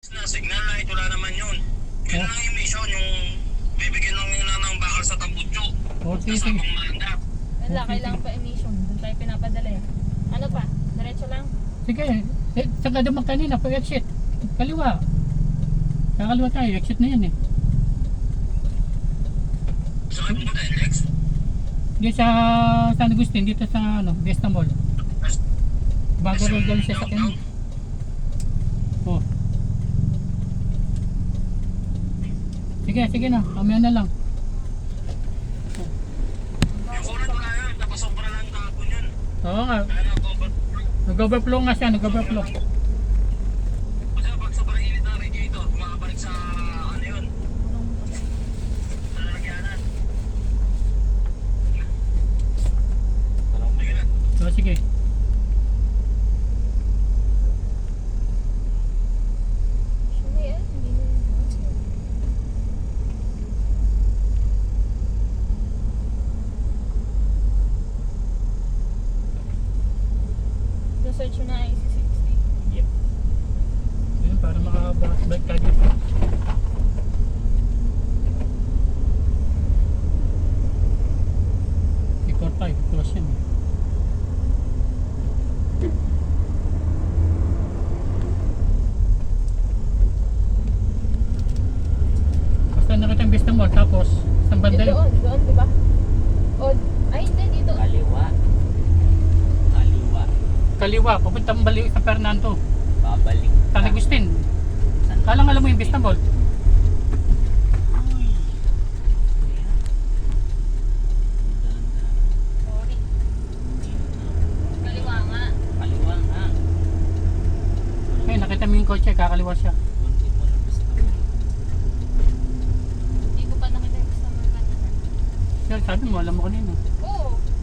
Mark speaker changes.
Speaker 1: Na signal light, wala naman yun. Yun lang yung mission, yung bibigyan lang nila ng bakal sa tambutso.
Speaker 2: Okay,
Speaker 1: Sa
Speaker 2: sige.
Speaker 1: sabong mandat.
Speaker 3: Wala, kailangan pa emission. Doon tayo pinapadala eh. Ano pa? Diretso lang?
Speaker 2: Sige, saan ka naman kanina pag exit? Kaliwa. Kakaliwa tayo, exit na yan eh.
Speaker 1: Saan kayo pumunta, Lex?
Speaker 2: Dito sa San Agustin, dito sa ano, Vesta Mall. Bago rin galing siya sa akin. Oh. Sige, sige na. Mamaya na lang.
Speaker 1: Yung kulat wala yun, napasobra lang kahapon yun.
Speaker 2: Oo nga.
Speaker 1: Kaya na-cover.
Speaker 2: Nag-overflow nga siya, nag-overflow.
Speaker 1: Kasi pag sobrang init na radiator, makabalik sa ano yun, sa lalagyanan. Sige na.
Speaker 2: So, sige.
Speaker 3: Hindi eh. Hindi na yun. Search mo na IC60.
Speaker 2: Yep. Yun, para makabalik tayo dito. Before 5, close yan eh. Basta nakita yung Vista Mall, tapos isang banda yun.
Speaker 3: Doon, di ba? O, ay hindi, dito.
Speaker 4: Kaliwa. Kaliwa.
Speaker 2: Kaliwa, papuntang balik sa Fernando.
Speaker 4: Babalik
Speaker 2: San Agustin. Kalang alam mo yung Vista Mall.
Speaker 3: Sorry. Kaliwa nga.
Speaker 4: Kaliwa nga.
Speaker 2: Ay, nakita mo yung kotse, kakaliwa siya.
Speaker 4: Bunti mo na gusto mo.
Speaker 3: Hindi ko pa nakita yung customer kanina.
Speaker 2: Yan, sabi mo, alam mo kanina.
Speaker 3: Oo.